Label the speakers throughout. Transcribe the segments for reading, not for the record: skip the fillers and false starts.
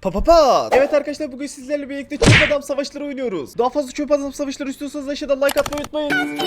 Speaker 1: Evet arkadaşlar, bugün sizlerle birlikte çöp adam savaşları oynuyoruz. Daha fazla çöp adam savaşları istiyorsanız aşağıdan like atmayı unutmayın.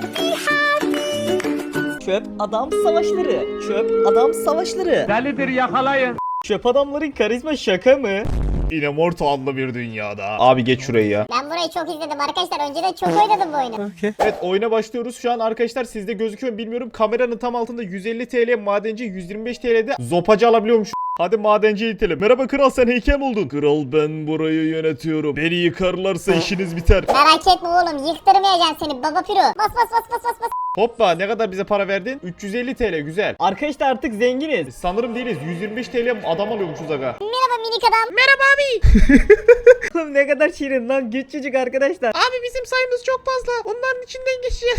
Speaker 2: Çöp adam savaşları. Çöp adam savaşları.
Speaker 3: Delidir, yakalayın.
Speaker 2: Çöp adamların karizma şaka mı?
Speaker 1: Immortal adlı bir dünyada. Abi geç şurayı ya.
Speaker 4: Ben burayı çok izledim arkadaşlar. Önceden çok oynadım bu oyunu.
Speaker 1: Evet, oyuna başlıyoruz. Şu an arkadaşlar sizde gözüküyor mu bilmiyorum. Kameranın tam altında 150 TL madenci, 125 TL'de zopacı alabiliyormuş. Hadi madenciye itelim. Merhaba kral, sen heykel mi oldun? Kral, ben burayı yönetiyorum. Beni yıkarlarsa işiniz biter.
Speaker 4: Merak etme oğlum. Yıktırmayacağım seni baba piro. Bas bas bas bas bas bas.
Speaker 1: Hoppa, ne kadar bize para verdin? 350 TL, güzel.
Speaker 2: Arkadaşlar artık zenginiz.
Speaker 1: Sanırım değiliz. 125 TL adam alıyormuşuz aga.
Speaker 4: Merhaba minik adam.
Speaker 2: Oğlum ne kadar şirin lan, küçücük arkadaşlar.
Speaker 1: Abi bizim sayımız çok fazla. Onların içinden geçeceğiz.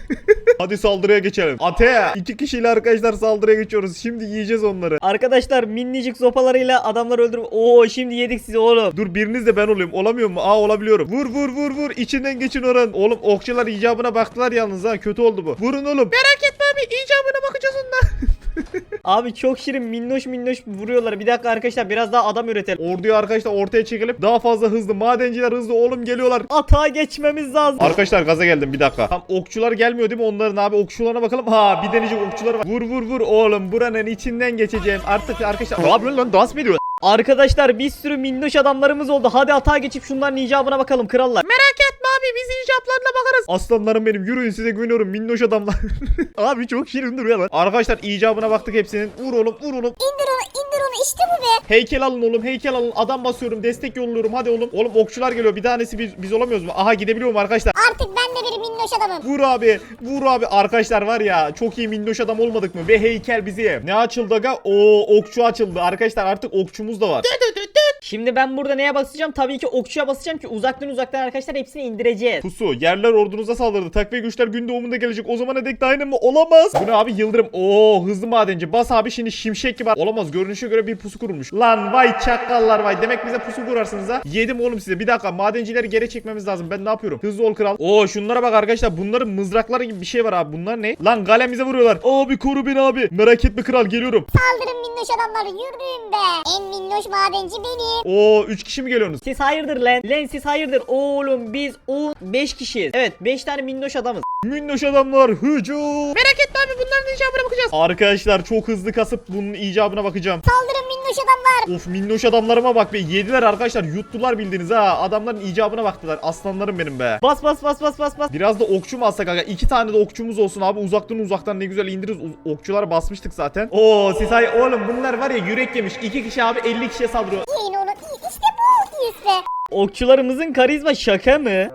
Speaker 1: Hadi saldırıya geçelim. Ate! 2 kişiyle arkadaşlar saldırıya geçiyoruz. Şimdi yiyeceğiz onları.
Speaker 2: Arkadaşlar minicik sopalarıyla adamlar öldürüp şimdi yedik sizi oğlum.
Speaker 1: Dur, biriniz de ben olayım. Olamıyor mu? Olabiliyorum. Vur vur vur vur. İçinden geçin oran. Oğlum okçular icabına baktılar yalnız ha. Kötü oldu bu. Vurun oğlum. Merak etme abi. İcabına bakacağız ondan.
Speaker 2: Abi çok şirin, minnoş minnoş vuruyorlar. Bir dakika arkadaşlar, biraz daha adam üretelim.
Speaker 1: Orduyu arkadaşlar ortaya çekilip daha fazla hızlı. Madenciler hızlı oğlum, geliyorlar.
Speaker 2: Atağa geçmemiz lazım.
Speaker 1: Arkadaşlar gaza geldim, bir dakika. Tam okçular gelmiyor değil mi onların abi? Okçularına bakalım. Bir deneyecek okçular var. Vur vur vur oğlum, buranın içinden geçeceğim. Artık arkadaşlar. Ne yapıyorsun lan? Dans mı ediyor?
Speaker 2: Arkadaşlar bir sürü minnoş adamlarımız oldu. Hadi atağa geçip şunların icabına bakalım krallar.
Speaker 1: Merak etme abi, biz icaplarına bakarız. Aslanlarım benim, yürüyün, size güveniyorum minnoş adamlar. Abi çok şirin duruyor lan. Arkadaşlar icabına baktık hepsinin. Vur oğlum, vur oğlum.
Speaker 4: İndir onu işte bu be.
Speaker 1: Heykel alın oğlum, heykel alın. Adam basıyorum, destek yolluyorum, hadi oğlum. Oğlum okçular geliyor, bir tanesi biz olamıyoruz mu? Aha, gidebiliyorum arkadaşlar.
Speaker 4: Artık ben de bir minnoş adamım.
Speaker 1: Vur abi, vur abi. Arkadaşlar var ya, çok iyi minnoş adam olmadık mı? Ve heykel bizi. Ne açıldı aga? Okçu açıldı. Arkadaşlar artık okçumuz da var.
Speaker 2: Şimdi ben burada neye basacağım? Tabii ki okçuya basacağım ki uzaktan arkadaşlar hepsini indireceğiz.
Speaker 1: Pusu, yerler ordunuza saldırdı. Takviye güçler gün doğumunda gelecek. O zamana dek dayanır mı? Olamaz. Bu ne abi? Yıldırım. Hızlı madenci. Bas abi, şimdi şimşek gibi. Olamaz. Görünüşe göre bir pusu kurulmuş. Lan vay çakallar vay. Demek bize pusu kurarsınız ha. Yedim oğlum size. Bir dakika. Madencileri geri çekmemiz lazım. Ben ne yapıyorum? Hızlı ol kral. Şunlara bak arkadaşlar. Bunların mızrakları gibi bir şey var abi. Bunlar ne? Lan galemize vuruyorlar. Abi koru beni abi. Merak etme kral, geliyorum.
Speaker 4: Saldırın minnoş adamlar. Yürüyün be. En minnoş madenci benim.
Speaker 1: 3 kişi mi geliyorsunuz?
Speaker 2: Siz hayırdır lan? Lan siz hayırdır? Oğlum biz 5 kişiyiz. Evet 5 tane minnoş adamız.
Speaker 1: Minnoş adamlar hücum. Merak etme abi, bunların icabına bakacağız. Arkadaşlar çok hızlı kasıp bunun icabına bakacağım.
Speaker 4: Saldırın minnoş adamlar.
Speaker 1: Of, minnoş adamlarıma bak be. Yediler arkadaşlar, yuttular bildiğiniz ha. Adamların icabına baktılar. Aslanlarım benim be.
Speaker 2: Bas.
Speaker 1: Biraz da okçu mu alsak aga? 2 tane de okçumuz olsun abi. Uzaktan ne güzel indiririz. Okçulara basmıştık zaten. Siz oğlum, bunlar var ya, yürek yemiş. 2 kişi abi 50 kişiye saldırıyor.
Speaker 4: Yiyin onu. İşte bu. İyiyiz be.
Speaker 2: Okçularımızın karizma şaka mı?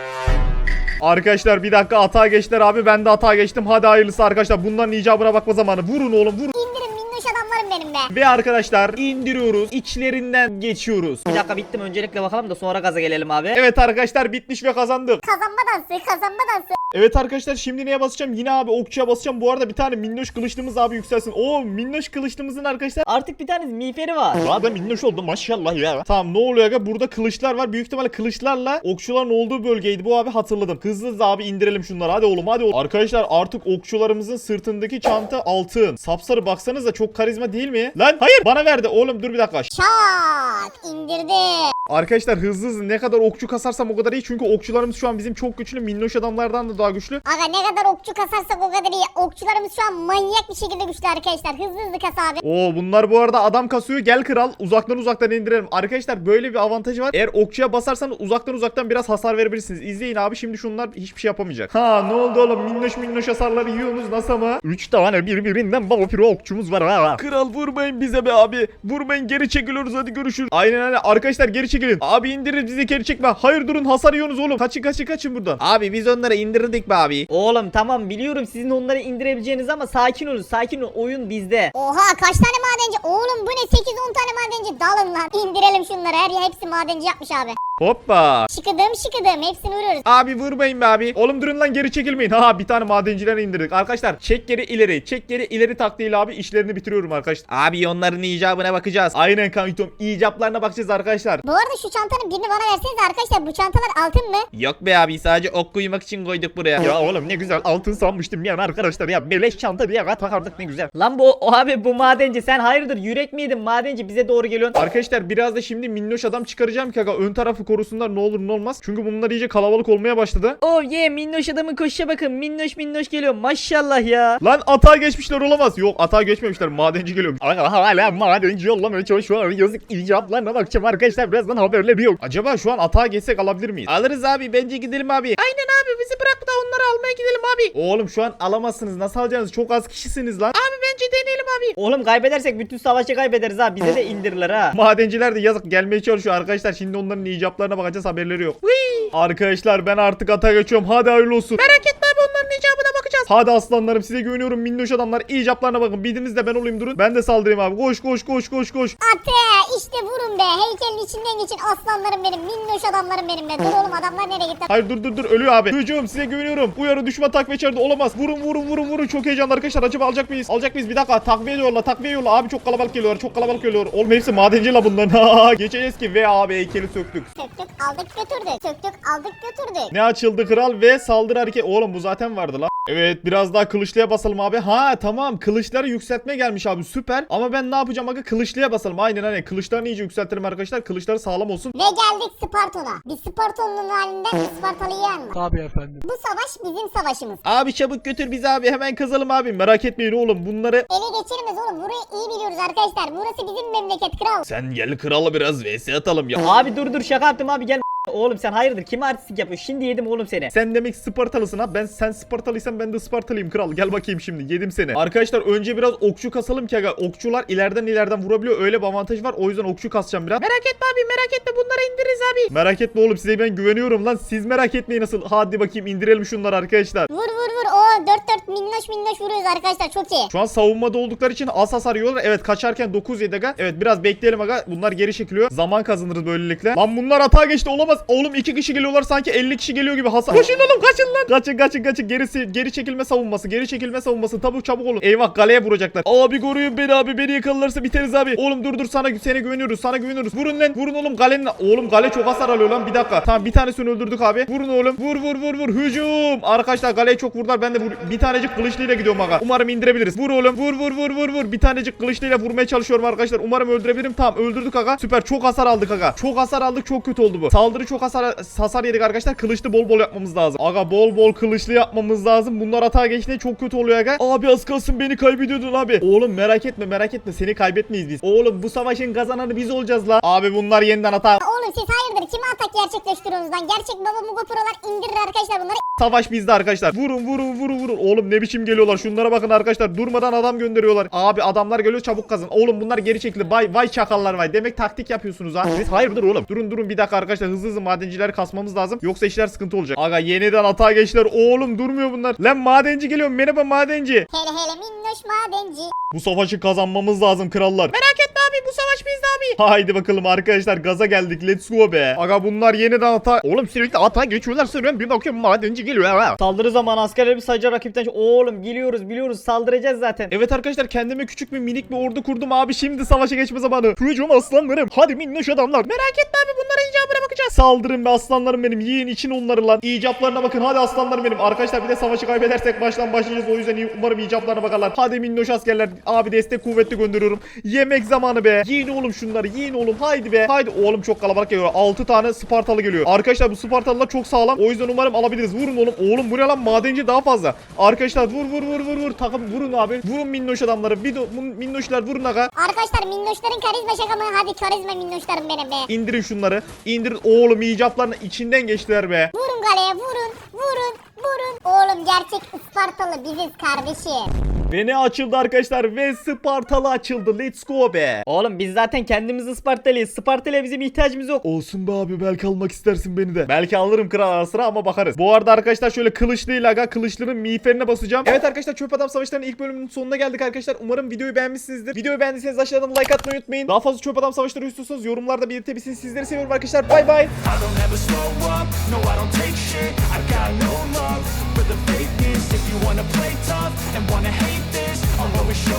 Speaker 1: Arkadaşlar bir dakika, atağa geçtiler abi. Ben de atağa geçtim. Hadi hayırlısı arkadaşlar. Bunların icabına bakma zamanı. Vurun oğlum, vurun.
Speaker 4: İndirin minnoş adamlarım benim be.
Speaker 1: Ve arkadaşlar indiriyoruz. İçlerinden geçiyoruz.
Speaker 2: Bir dakika bittim, öncelikle bakalım da sonra gaza gelelim abi.
Speaker 1: Evet arkadaşlar, bitmiş ve kazandık.
Speaker 4: Kazanma dansı.
Speaker 1: Evet arkadaşlar, şimdi neye basacağım? Yine abi okçuya basacağım. Bu arada bir tane minnoş kılıçlımız abi yükselsin. Minnoş kılıçlımızın arkadaşlar.
Speaker 2: Artık bir tane miğferi var.
Speaker 1: Abi minnoş oldum maşallah ya. Tamam, ne oluyor aga? Burada kılıçlar var. Büyük ihtimalle kılıçlarla okçuların olduğu bölgeydi bu abi, hatırladım. Hızlı abi indirelim şunları. Hadi oğlum, hadi oğlum. Arkadaşlar artık okçularımızın sırtındaki çanta altın. Sapsarı, baksanıza çok karizma değil mi? Lan hayır, bana verdi. Oğlum dur bir dakika.
Speaker 4: Şak indirdi.
Speaker 1: Arkadaşlar hızlı ne kadar okçu kasarsam o kadar iyi. Çünkü okçularımız şu an bizim çok güçlü. Minnoş adamlardan da daha güçlü.
Speaker 4: Aga ne kadar okçu kasarsak o kadar iyi. Okçularımız şu an manyak bir şekilde güçlü arkadaşlar. Hızlı kas abi.
Speaker 1: Bunlar bu arada adam kasıyor. Gel kral, uzaktan indirelim. Arkadaşlar böyle bir avantajı var. Eğer okçuya basarsanız uzaktan biraz hasar verebilirsiniz. İzleyin abi, şimdi şunlar hiçbir şey yapamayacak. Ne oldu oğlum? Minnoş hasarları yiyorsunuz nasıl ama? 3 tane birbirinden baba piro okçumuz var ha. Kral vurmayın bize be abi. Vurmayın, geri çekiliyoruz, hadi görüşürüz. Aynen arkadaşlar, geri çekilin. Abi indiririz, bizi geri çekme. Hayır durun, hasar yiyorsunuz oğlum. Kaçın buradan. Abi biz onları indirdik be abi.
Speaker 2: Oğlum tamam biliyorum sizin onları indirebileceğiniz ama sakin olun. Oyun bizde.
Speaker 4: Oha kaç tane madenci? Oğlum bu ne? 8-10 tane madenci. Dalın lan. İndirelim şunları. Hepsi madenci yapmış abi.
Speaker 1: Hoppa.
Speaker 4: Şıkıdım hepsini vuruyoruz.
Speaker 1: Abi vurmayın be abi. Oğlum durun lan, geri çekilmeyin. Ha, bir tane madenciler indirdik. Arkadaşlar çek geri ileri. Çek geri ileri taktiğiyle abi işlerini bitiriyorum arkadaşlar. Abi onların icabına bakacağız. Aynen kankitom. İcaplarına bakacağız arkadaşlar.
Speaker 4: Bu arada şu çantanın birini bana verseniz arkadaşlar, bu çantalar altın mı?
Speaker 1: Yok be abi, sadece ok koymak için koyduk buraya. Ya oğlum ne güzel altın sanmıştım yani arkadaşlar ya. Beleş çanta diye takardık, ne güzel.
Speaker 2: Lan abi bu madenci, sen hayırdır yürek miydin madenci, bize doğru geliyorsun.
Speaker 1: Arkadaşlar biraz da şimdi minnoş adam çıkaracağım ki aga, ön tarafı korusunlar ne olur ne olmaz. Çünkü bunlar iyice kalabalık olmaya başladı.
Speaker 2: Oh yeah, minnoş adamın koşuşa bakın, minnoş geliyor maşallah ya.
Speaker 1: Lan atağa geçmişler, olamaz. Yok, atağa geçmemişler, madenci geliyor. Aga hala madenci yollamaya çalışıyor. Yazık, icaplarına bakacağım arkadaşlar, birazdan haberleri yok. Acaba şu an atağa geçsek alabilir miyiz? Alırız abi, bence gidelim abi. Aynen abi, bizi bırak da onları almaya gidelim abi. Oğlum şu an alamazsınız, nasıl alacaksınız? Çok az kişisiniz lan. Abi bence deneyelim abi.
Speaker 2: Oğlum kaybedersek bütün savaşı kaybederiz ha, bize de indirirler ha.
Speaker 1: Madenciler de yazık gelmeye çalışıyor arkadaşlar. Şimdi onların icaplarına bakacağız, haberleri yok. Arkadaşlar ben artık ata geçiyorum. Hadi hayırlı olsun. Merak etme abi, onların icabına bakacağız. Hadi aslanlarım, size güveniyorum minnoş adamlar. İcaplarına bakın. Biriniz de ben olayım, durun. Ben de saldırayım abi. Koş.
Speaker 4: Ate işte vurun be, heykelin içinden geçin aslanlarım benim, minnoş adamlarım benim be. Dur oğlum, adamlar nereye gitti?
Speaker 1: Hayır dur ölüyor abi. Hücum, size güveniyorum. Uyarı, düşman takviye içeride olamaz. Vurun. Çok heyecanlı arkadaşlar. Acaba alacak mıyız? Bir dakika, takviye yolla. Abi çok kalabalık geliyor. Oğlum hepsi madenci la bunların. Geçeceğiz ki ve abi heykeli söktük.
Speaker 4: Söktük aldık götürdük.
Speaker 1: Ne açıldı kral ve saldırı hareket. Oğlum bu zaten vardı la. Evet, biraz daha kılıçlıya basalım abi. Ha tamam, kılıçları yükseltme gelmiş abi, süper. Ama ben ne yapacağım aga, kılıçlıya basalım. Aynen kılıçlarını iyice yükseltelim arkadaşlar. Kılıçları sağlam olsun.
Speaker 4: Ve geldik Sparton'a. Bir Sparton'un halinden bir Spartalı'yı yenme.
Speaker 3: Tabii efendim.
Speaker 4: Bu savaş bizim savaşımız.
Speaker 1: Abi çabuk götür bizi abi, hemen kazalım abi. Merak etmeyin oğlum, bunları.
Speaker 4: Ele geçirmez oğlum, burayı iyi biliyoruz arkadaşlar. Burası bizim memleket kral.
Speaker 1: Sen gel krala biraz vs atalım ya.
Speaker 2: Abi dur şaka yaptım abi, gel. Oğlum sen hayırdır, kime artistik yapıyorsun? Şimdi yedim oğlum seni.
Speaker 1: Sen demek Spartalısın ha. Sen Spartalıysan ben de Spartalıyım kral. Gel bakayım şimdi. Yedim seni. Arkadaşlar önce biraz okçu kasalım ki aga. Okçular ileriden vurabiliyor. Öyle bir avantaj var. O yüzden okçu kasacağım biraz. Merak etme abi, bunları indiririz abi. Merak etme oğlum, size ben güveniyorum lan. Siz merak etmeyin nasıl. Hadi bakayım indirelim şunları arkadaşlar.
Speaker 4: Vur. Oo 4 minnoş vuruyoruz arkadaşlar, çok iyi.
Speaker 1: Şu an savunmada oldukları için az hasar yiyorlar. Evet, kaçarken 9 yedi aga. Evet, biraz bekleyelim aga. Bunlar geri çekiliyor. Zaman kazanırız böylelikle. Lan bunlar atağa geçti, olamaz. Oğlum 2 kişi geliyorlar, sanki 50 kişi geliyor gibi hasar. Koşun oğlum, kaçın lan. Kaçın. Geri çekilme savunması. Çabuk olun. Eyvah, galeye vuracaklar. Abi koruyun beni abi. Beni yakalarsa biteriz abi. Oğlum dur sana güveniyoruz. Vurun oğlum galenin. Oğlum gale çok hasar alıyor lan, bir dakika. Tamam, bir tanesini öldürdük abi. Vurun oğlum. Vur. Hücum. Arkadaşlar galeye çok vurdular. Ben de bir tanecik kılıçlıyla gidiyorum aga. Umarım indirebiliriz. Vur oğlum. Vur. Bir tanecik kılıçlıyla vurmaya çalışıyorum arkadaşlar. Umarım öldürebilirim. Tamam, öldürdük aga. Süper. Çok hasar aldık aga. Çok kötü oldu bu. Saldırı çok hasar yedik arkadaşlar. Kılıçlı bol yapmamız lazım. Aga bol kılıçlı yapmamız lazım. Bunlar atağa geçtiğinde çok kötü oluyor aga. Abi az kalsın beni kaybediyordun abi. Oğlum merak etme. Seni kaybetmeyiz biz. Oğlum bu savaşın kazananı biz olacağız la. Abi bunlar yeniden atağa.
Speaker 4: Oğlum siz hayırdır, kime atak gerçekleştiriyorsunuz lan? Gerçek baba Mugo Pro'lar indirir arkadaşlar bunları.
Speaker 1: Savaş bizde arkadaşlar. Vurun. Oğlum ne biçim geliyorlar. Şunlara bakın arkadaşlar. Durmadan adam gönderiyorlar. Abi adamlar geliyor, çabuk kazın. Oğlum bunlar geri çekildi. Vay çakallar vay. Demek taktik yapıyorsunuz ha. Siz hayırdır oğlum. Durun bir dakika arkadaşlar. Hızlı madencileri kasmamız lazım. Yoksa işler sıkıntı olacak. Aga yeniden atağa geçtiler. Oğlum durmuyor bunlar. Lan madenci geliyor. Merhaba madenci.
Speaker 4: Hele minnoş madenci.
Speaker 1: Bu savaşı kazanmamız lazım krallar. Merak etme abi, bu savaş bizde abi. Haydi bakalım arkadaşlar, gaza geldik. Let's go be. Aga bunlar yeniden ata. Oğlum sürekli ata geçiyorlar sanıyorum. Bir bakıyorum madenci geliyor ha.
Speaker 2: Saldırı zamanı, askerleri sayıca rakipten. Oğlum biliyoruz saldıracağız zaten.
Speaker 1: Evet arkadaşlar, kendime küçük minik bir ordu kurdum abi. Şimdi savaşa geçme zamanı. Hücum aslanlarım. Hadi minnoş adamlar. Merak etme abi, bunlara icabına bakacağız. Saldırın be aslanlarım benim. Yiyin için onları lan. İcaplarına bakın. Hadi aslanlarım benim. Arkadaşlar bir de savaşı kaybedersek başlayacağız. O yüzden umarım icaplarına bakarlar. Hadi minnoş askerler. Abi destek kuvvetli gönderiyorum. Yemek zamanı be. Yiyin oğlum şunları. Yiyin oğlum. Haydi be. Haydi. Oğlum çok kalabalık geliyor. 6 tane Spartalı geliyor. Arkadaşlar bu Spartalılar çok sağlam. O yüzden umarım alabiliriz. Vurun oğlum. Oğlum bu ne lan? Madenci daha fazla. Arkadaşlar vur. Takım vurun abi. Vurun minnoş adamları. Minnoşlar vurun aga.
Speaker 4: Arkadaşlar minnoşların karizma şaka mı? Hadi karizma minnoşlarım benim be.
Speaker 1: İndirin şunları. İndirin. Oğlum icaplarının içinden geçtiler be.
Speaker 4: Vurun galeye, vurun. Oğlum gerçek Ispartalı biziz kardeşim.
Speaker 1: Ve ne açıldı arkadaşlar? Ve Spartalı açıldı. Let's go be.
Speaker 2: Oğlum biz zaten kendimiz Ispartalıyız. Spartalı'ya bizim ihtiyacımız yok.
Speaker 1: Olsun be abi, belki almak istersin beni de. Belki alırım kral ara sıra ama bakarız. Bu arada arkadaşlar şöyle kılıçlıyla aga, kılıçlının miğferine basacağım. Evet arkadaşlar, Çöp Adam Savaşları'nın ilk bölümünün sonuna geldik arkadaşlar. Umarım videoyu beğenmişsinizdir. Videoyu beğendiyseniz aşağıdan like atmayı unutmayın. Daha fazla Çöp Adam Savaşları istiyorsanız yorumlarda belirtebilirsiniz. Sizleri seviyorum arkadaşlar. Bay bay.
Speaker 3: I don't ever slow up, no I don't take shit. I got no love for the fakeness. If you wanna play tough and wanna hate this, I'll always show